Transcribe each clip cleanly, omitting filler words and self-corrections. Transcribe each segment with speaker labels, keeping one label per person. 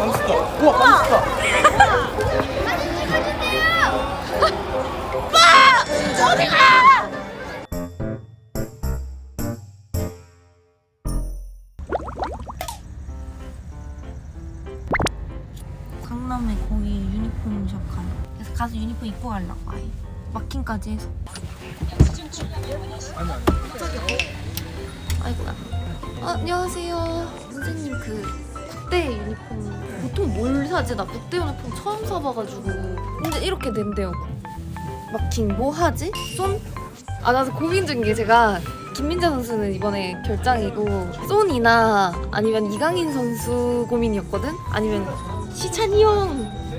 Speaker 1: 감스터. 우와 감스터.
Speaker 2: 어디가? 강남에 거기 유니폼 샵 가요. 그래서 가서 유니폼 입고 가려고 아예 마킹까지 해서. 아이고야. 안녕하세요. 선생님 그 국대 유니폼 보통 뭘 사지? 나 국대 유니폼 처음 사봐가지고. 근데 이렇게 된대요. 마킹 뭐 하지? 쏜? 아 나도 고민 중인 게 제가 김민재 선수는 이번에 결장이고 쏜이나 아니면 이강인 선수 고민이었거든? 아니면 시찬이 형.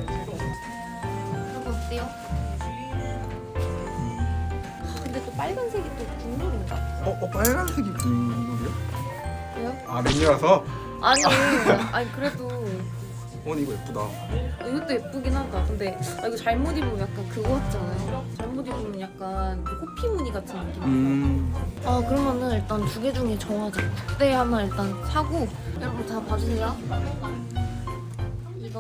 Speaker 2: 이거 어때요? 근데 또 빨간색이 또 국룰인가?
Speaker 1: 빨간색이 국물이요?
Speaker 2: 왜요?
Speaker 1: 아 메뉴라서?
Speaker 2: 아니 그래도
Speaker 1: 이거 예쁘다.
Speaker 2: 이것도 예쁘긴 하다. 근데 이거 잘못 입으면 약간 그거 같잖아요. 잘못 입으면 약간 그 호피 무늬 같은 느낌. 아 그러면은 일단 두 개 중에 정하자. 국대 하나 일단 사고. 여러분 다 봐주세요. 이거.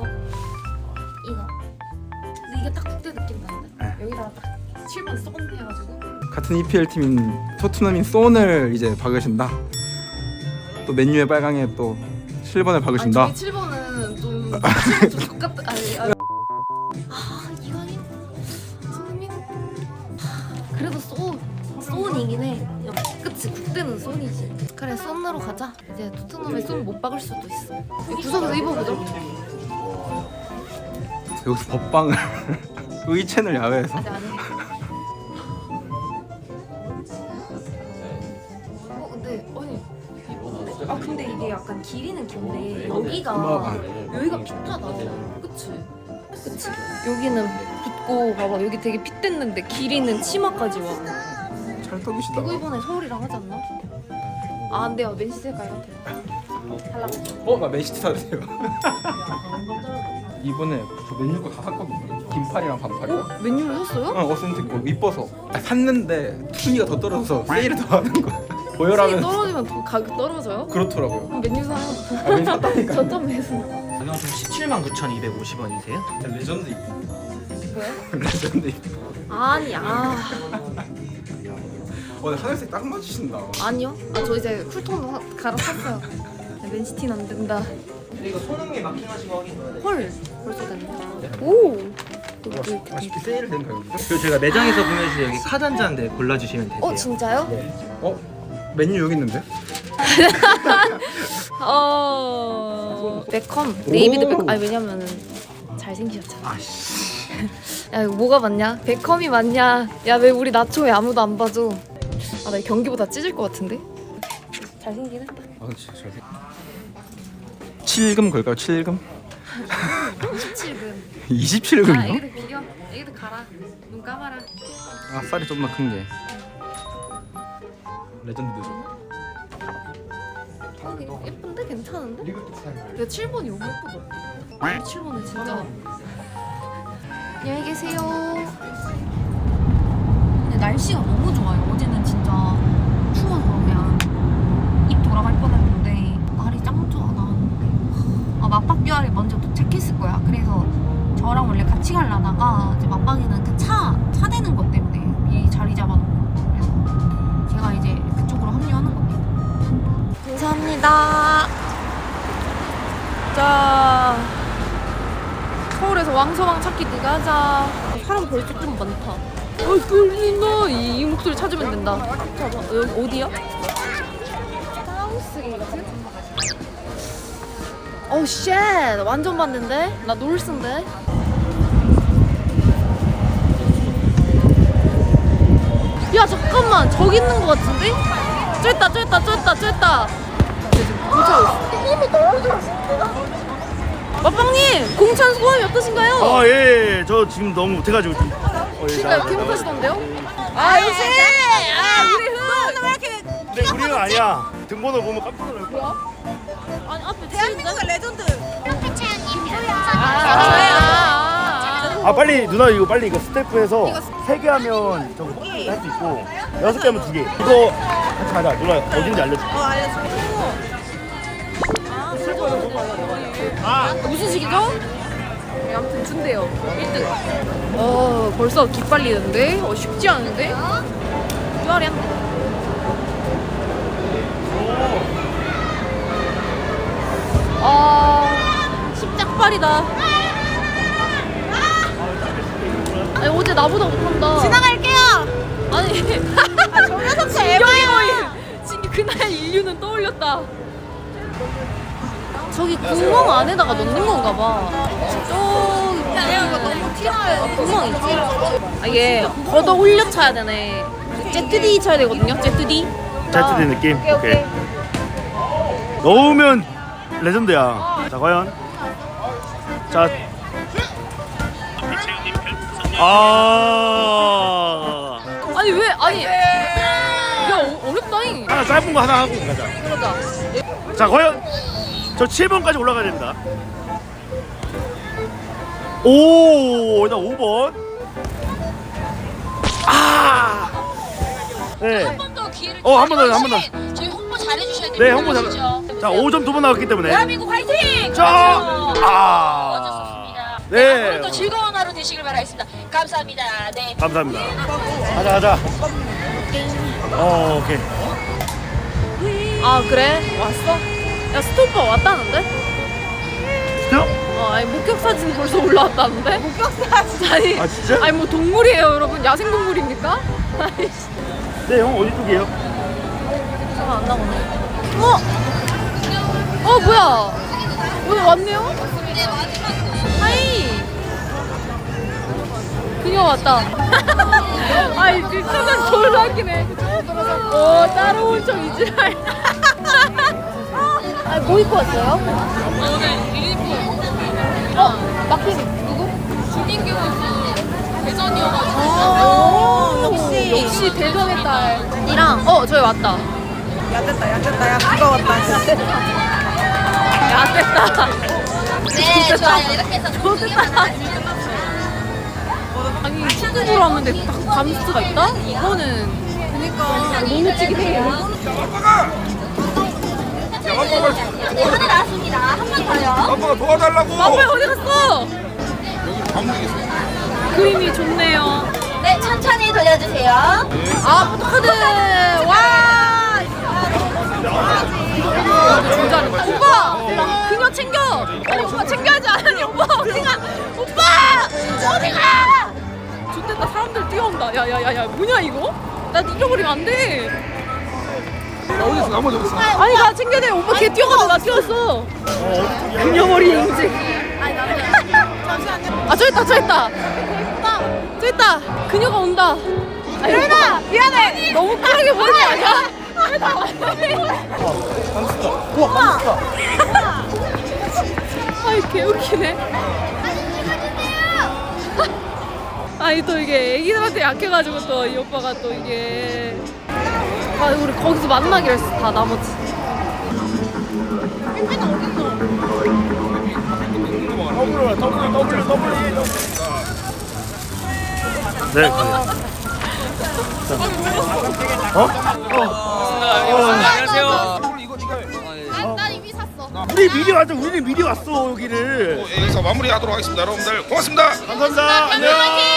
Speaker 2: 근데 이게 딱 국대 느낌 나는데? 여기다가 딱 7번 썩은 해가지고.
Speaker 1: 같은 EPL 팀인 토트넘인 손을 이제 박으신다. 또 맨유의 빨강에 또 7번을 박으신다.
Speaker 2: 아니 저희 7번은 좀 똑같다. 이강인? 손흥민? 그래도 쏜이긴 해. 그치 국대는 쏜이지. 그래 쏜으로 가자. 이제 토트넘에 쏜 못 박을 수도 있어. 구석에서 입어보자.
Speaker 1: 여기서 법방을 의채널 야외에서.
Speaker 2: 아니. 근데 이게 약간 길이는 긴데 여기가 핏하다. 그치? 여기는 붓고 봐봐 여기 되게 핏됐는데 길이는 치마까지 와.
Speaker 1: 찰떡이시다.
Speaker 2: 이거 이번에 서울이랑 하지 않나? 아 안 돼요. 맨시티 가요. 달라고.
Speaker 1: 나 맨시티 사도 돼요. 이번에 저 맨유 거 다 샀거든요. 긴팔이랑 반팔이랑.
Speaker 2: 맨유를 샀어요?
Speaker 1: 어센틱 거 이뻐서 샀는데 순위가 더 떨어져서 세일을 더 하는 거야.
Speaker 2: 수익이
Speaker 1: 보여라면
Speaker 2: 떨어지면 더 가격 떨어져요?
Speaker 1: 그렇더라고요.
Speaker 2: 그럼 맨유 사요.
Speaker 1: 맨유 샀다니까.
Speaker 2: 저점 매수.
Speaker 3: 가격은 179,250원이세요?
Speaker 1: 레전드 입고.
Speaker 2: 뭐야?
Speaker 1: 레전드 입고.
Speaker 2: 아니
Speaker 1: 근데 하늘색 딱 맞으신다.
Speaker 2: 아니요. 저 이제 쿨톤 갈아탔어요. 맨시티는 안 된다.
Speaker 3: 근데 이거 손흥민 마킹하신 거 확인.
Speaker 2: 헐 벌써 됐네. 오.
Speaker 1: 아쉽게 세일을 된 가격이죠?
Speaker 3: 그리고 제가 매장에서 구매해서 여기 카드 한 잔 네, 골라주시면 되세요.
Speaker 2: 진짜요?
Speaker 1: 메뉴 여기 있는데?
Speaker 2: 베컴 데이비드 베컴. 아니 왜냐면은 잘생기셨잖아. 야 이거 뭐가 맞냐? 베컴이 맞냐? 야 왜 우리 나초에 아무도 안 봐줘? 나 경기보다 찢을 것 같은데? 잘생긴 했다.
Speaker 1: 진짜 잘생. 7금 걸까요? 7금?
Speaker 2: 27금.
Speaker 1: 27금이요?
Speaker 2: 애기들 비려. 애기들 가라. 눈 감아라.
Speaker 1: 쌀이 좀 더 큰 게. 레전드죠.
Speaker 2: 예쁜데 괜찮은데? 근데 7번이 너무 예쁘다. 7번은 진짜. 안녕히 계세요. 근데 날씨가 너무 좋아요. 어제는 진짜 추워서 그냥 입 돌아갈 뻔했는데 날이 짱 좋아 나왔는데. 맞박뷰아리 먼저 도착했을 거야. 그래서 저랑 원래 같이 가려다가 이제 맞박이는 그 차 대는 것 때문에 미리 자리 잡아놓고 그래서 제가 이제 그쪽으로 합류하는 겁니다. 감사합니다. 자, 서울에서 왕서왕 찾기 네가 하자. 사람 벌써 좀 많다. 끌린다. 이 목소리 찾으면 된다. 잠깐 여기 어디야? 사우스게이트? 쉣 완전 봤는데? 나 놀스인데? 야 잠깐만 저기 있는 거 같은데? 쫄다 마빵님 공찬 소감이 어떠신가요?
Speaker 4: 예. 저 지금 너무 못해가지고 좀.
Speaker 2: 진짜 이렇게 못하시던데요? 역시! 우리 흔! 왜 이렇게
Speaker 4: 근데 우리는 아니야. 등번호 보면 깜짝 놀랄 거야.
Speaker 2: 아니 앞에 대한민국의 레전드!
Speaker 4: 빨리 누나 이거 빨리 이거 스태프해서 3개 하면 저거 할 수 있고 6개 하면 2개. 이거 같이 가자. 누나 어딘지 알려줄게.
Speaker 2: 알려줘. 무슨 식이죠? 네, 아무튼 준대요. 1등. 벌써 기빨리는데? 쉽지 않은데? 뚜아리 한대. 십짝발이다. 아니, 어제 나보다 못한다.
Speaker 5: 지나갈게요.
Speaker 2: 아니,
Speaker 5: 정여섭 씨
Speaker 2: 진경이 모임. 진기 그날 인류는 떠올렸다. 저기 구멍 안에다가 넣는 건가 봐. 저기
Speaker 5: 이거 너무 튀어나와요.
Speaker 2: 구멍 있지? 아, 이게 걷어 올려 차야 되네. 제트디 쳐야 되거든요. 제트디.
Speaker 4: 제트디 느낌?
Speaker 2: 오케이.
Speaker 4: 넣으면 레전드야. 자 과연 자
Speaker 2: 아니 왜? 아니 야 어렵다잉.
Speaker 4: 하나 짧은 거 하나 하고 가자.
Speaker 2: 그러자.
Speaker 4: 자 과연 저 7번까지 올라가야 됩니다. 오 일단 5번. 네.
Speaker 5: 한 번 더 기회를
Speaker 4: 한 번 더, 한 번 더.
Speaker 5: 저희 홍보 잘해주셔야 됩니다.
Speaker 4: 네 홍보 잘.
Speaker 5: 아시죠?
Speaker 4: 자 5점 2번 나왔기 때문에.
Speaker 5: 대한민국 화이팅!
Speaker 4: 자,
Speaker 5: 어쩌습니다.
Speaker 4: 네.
Speaker 5: 오늘도 즐거운 하루 되시길 바라겠습니다. 감사합니다. 네.
Speaker 4: 감사합니다. 가자. 오케이.
Speaker 2: 아 그래? 왔어? 야 스토퍼 왔다는데?
Speaker 4: 진짜?
Speaker 2: 아니 목격 사진 벌써 올라왔다는데? 목격 사진? 아니
Speaker 4: 아, 진짜?
Speaker 2: 아니 뭐 동물이에요 여러분? 야생 동물입니까? 아이씨.
Speaker 4: 네, 형 어디 쪽이에요?
Speaker 2: 잠깐 안 나오네. 뭐야? 오늘 왔네요? 하이. 그녀 왔다. 아이 진짜 졸라 웃기네. 따라온 척 이지랄. 뭐 입고 왔어요? 오늘 유니폼. 막힌 누구? 주민규 대전이어가지고. 역시 대전의 딸이랑 저희 왔다.
Speaker 5: 야 비가 왔다.
Speaker 2: 야 됐다.
Speaker 5: 네, 좋아요. 이렇게 해서
Speaker 2: 좋겠다. 아니 축구부로 하는데 딱 감스트가 있다? 이거는 그니까 너무 찌기해.
Speaker 5: 하나 나왔습니다. 한 번 더요.
Speaker 1: 아빠가 도와달라고.
Speaker 2: 마블 어디 갔어? 그림이 좋네요.
Speaker 5: 네, 천천히 돌려주세요.
Speaker 2: 포토카드 와. 진짜 오빠 그녀 챙겨. 아니 오빠 챙겨야지. 아니 오빠 어디가? 오빠 어디가? 좋겠다 사람들 뛰어온다. 야야야야 뭐냐 이거? 나 잊어버리면 안 돼.
Speaker 1: 나 어디서 넘어졌어.
Speaker 2: 아니 나 챙겨야 돼. 오빠 걔 뛰어가서 나 뛰었어. 그녀머리 인증. 저 있다. 저 있다. 그녀가 온다. 그래나 미안해. 너무 빠르게 보는 거 아니야?
Speaker 4: 우와,
Speaker 2: 아이 개웃기네. 아니 또 이게 애기들한테 약해가지고 또 이 오빠가 또 이게 우리 거기서 만나기로 했어. 다 나머지.
Speaker 4: 네.
Speaker 3: 안녕하세요.
Speaker 2: 난 이미 샀어.
Speaker 4: 우리는 미리 왔어 여기를.
Speaker 6: 여기서 마무리하도록 하겠습니다. 여러분들 고맙습니다.
Speaker 4: 감사합니다. 안녕.